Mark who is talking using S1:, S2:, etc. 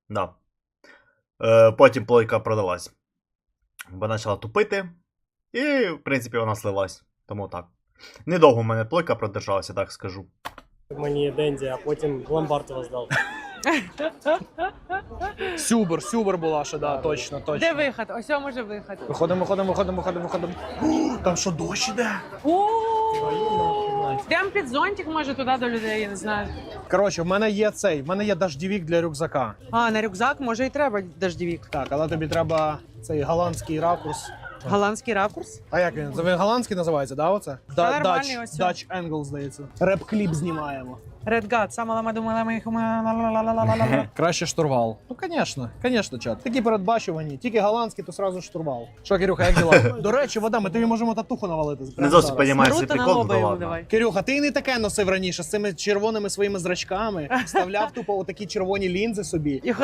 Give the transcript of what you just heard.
S1: Да. Потім плойка продалась. Бо почала тупити. І, в принципі, вона слилась. Тому так. Недовго в мене плойка продержалася, так скажу.
S2: Мені Денді, а потім в ломбард його здав.
S3: Сюбер була ще, да, точно.
S4: Де виход? Ось о, може виход.
S3: Виходимо. Там що, дощ іде?
S4: О, прям під зонтик, може, туди до людей, я не знаю.
S3: Коротше, в мене є дождівік для рюкзака.
S4: А, на рюкзак, може, і треба дождівік.
S3: Так, але тобі треба цей голландський ракурс.
S4: Голландський ракурс.
S3: А як він? Він голландський називається, да, оце?
S4: нормальний ось.
S3: Dutch Angle, здається. Реп-кліп знімаємо.
S4: Red God, сама лама думала, ми їх...
S3: Краще штурвал. Ну, звісно, чат. Такі передбачувані. Тільки голландський, то сразу штурвал. Що, Кирюха, як діла? До речі, вода, ми тобі можемо татуху навалити.
S1: Не зовсім розумію цей
S4: Наруто на
S1: прикол,
S4: лоба
S1: ну
S4: йому
S1: ладно.
S4: давай.
S3: Кирюха, ти не таке носив раніше з цими червоними своїми зрачками. Вставляв тупо отакі червоні лінзи собі.